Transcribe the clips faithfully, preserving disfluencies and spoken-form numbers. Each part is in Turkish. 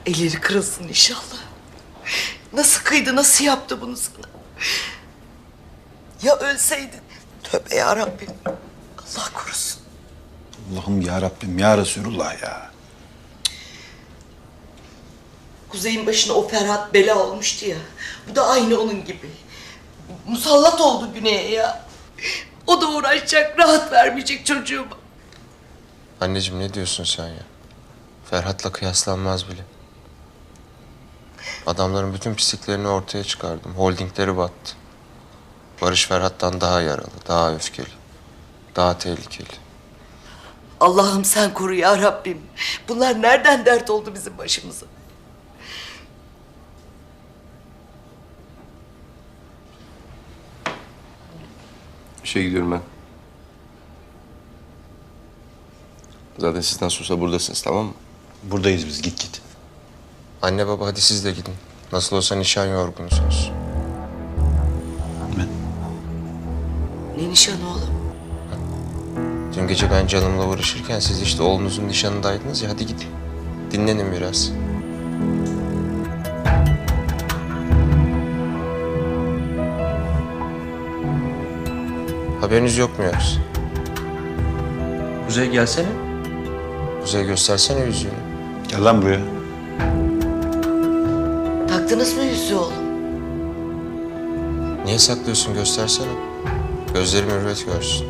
Elleri kırılsın inşallah. Nasıl kıydı, nasıl yaptı bunu sana? Ya ölseydin? Tövbe yarabbim. Allah korusun. Allah'ım ya Rabbim ya Resulullah ya. Kuzey'in başına o Ferhat bela olmuştu ya. Bu da aynı onun gibi. Musallat oldu Güney'e ya. O da uğraşacak, rahat vermeyecek çocuğuma. Anneciğim ne diyorsun sen ya? Ferhat'la kıyaslanmaz bile. Adamların bütün pisliklerini ortaya çıkardım. Holdingleri battı. Barış Ferhat'tan daha yaralı, daha öfkeli, daha tehlikeli. Allah'ım sen koru ya Rabbim. Bunlar nereden dert oldu bizim başımıza? İşe gidiyorum ben. Zaten siz nasıl olsa buradasınız, tamam mı? Buradayız biz, git git. Anne baba hadi siz de gidin. Nasıl olsa nişan yorgunusunuz. Ben. Ne nişanı oğlum? Dün gece ben canımla uğraşırken siz işte oğlunuzun nişanındaydınız ya, hadi gidin. Dinlenin biraz. Haberiniz yok mu yoksa? Kuzey gelsene. Kuzey göstersene yüzüğünü. Gel lan buraya. Taktınız mı yüzüğü oğlum? Niye saklıyorsun, göstersene. Gözlerim hürmet görsün.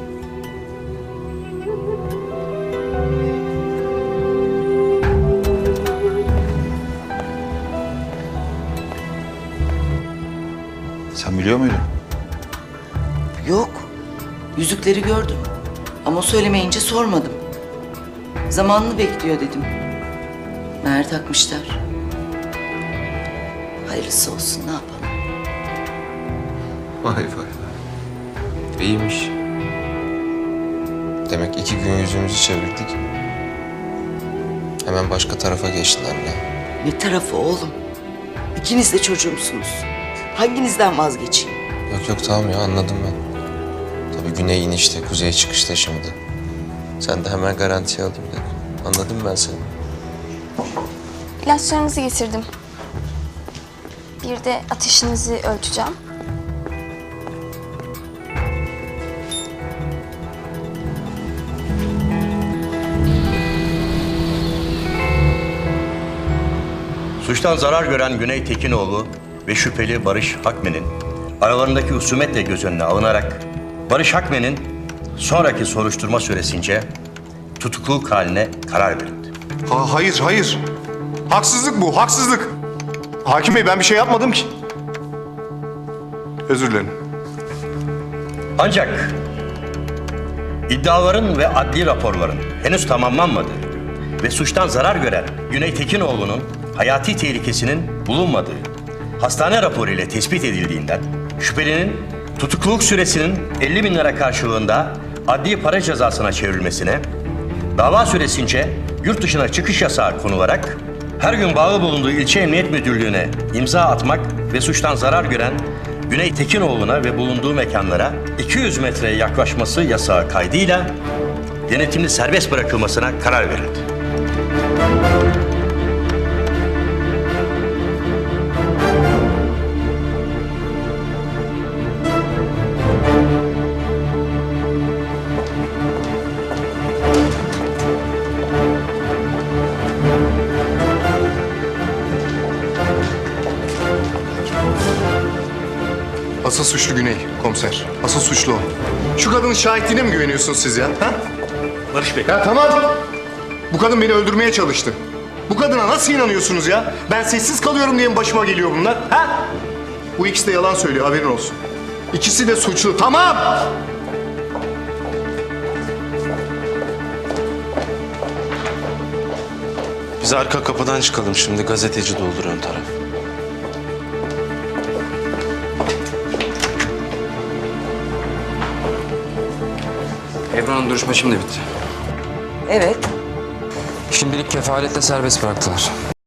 Sen biliyor muydun? Yok. Yüzükleri gördüm. Ama söylemeyince sormadım. Zamanını bekliyor dedim. Meğer takmışlar. Hayırlısı olsun, ne yapalım? Vay vay vay. İyiymiş. Demek iki gün yüzümüzü çevirdik. Hemen başka tarafa geçtiler ne? Ne tarafı oğlum? İkiniz de çocuğumsunuz. Hanginizden vazgeçeyim? Yok yok tamam ya, anladım ben. Tabii güney inişte, kuzey çıkışta şimdi. Sen de hemen garantiye alayım dedim. Anladım ben seni. İlaçlarınızı getirdim. Bir de ateşinizi ölçeceğim. Suçtan zarar gören Güney Tekinoğlu ve şüpheli Barış Hakmen'in aralarındaki husumetle göz önüne alınarak Barış Hakmen'in sonraki soruşturma süresince tutukluluk haline karar verildi. Ha, hayır, hayır. Haksızlık bu, haksızlık. Hakim Bey, ben bir şey yapmadım ki. Özür dilerim. Ancak iddiaların ve adli raporların henüz tamamlanmadığı ve suçtan zarar gören Güney Tekinoğlu'nun hayati tehlikesinin bulunmadığı hastane raporu ile tespit edildiğinden şüphelinin tutukluluk süresinin elli bin lira karşılığında adli para cezasına çevrilmesine, dava süresince yurt dışına çıkış yasağı konularak her gün bağlı bulunduğu ilçe emniyet müdürlüğüne imza atmak ve suçtan zarar gören Güney Tekinoğlu'na ve bulunduğu mekanlara iki yüz metreye yaklaşması yasağı kaydıyla denetimli serbest bırakılmasına karar verildi. Asıl suçlu Güney, komiser. Asıl suçlu o. Şu kadının şahitliğine mi güveniyorsunuz siz ya? Ha? Barış Bey. Ya tamam. Bu kadın beni öldürmeye çalıştı. Bu kadına nasıl inanıyorsunuz ya? Ben sessiz kalıyorum diye mi başıma geliyor bunlar? Ha? Bu ikisi de yalan söylüyor, haberin olsun. İkisi de suçlu, tamam! Biz arka kapıdan çıkalım şimdi. Gazeteci doldur ön taraf. Ebru Hanım, duruşma şimdi bitti. Evet. Şimdilik kefaletle serbest bıraktılar.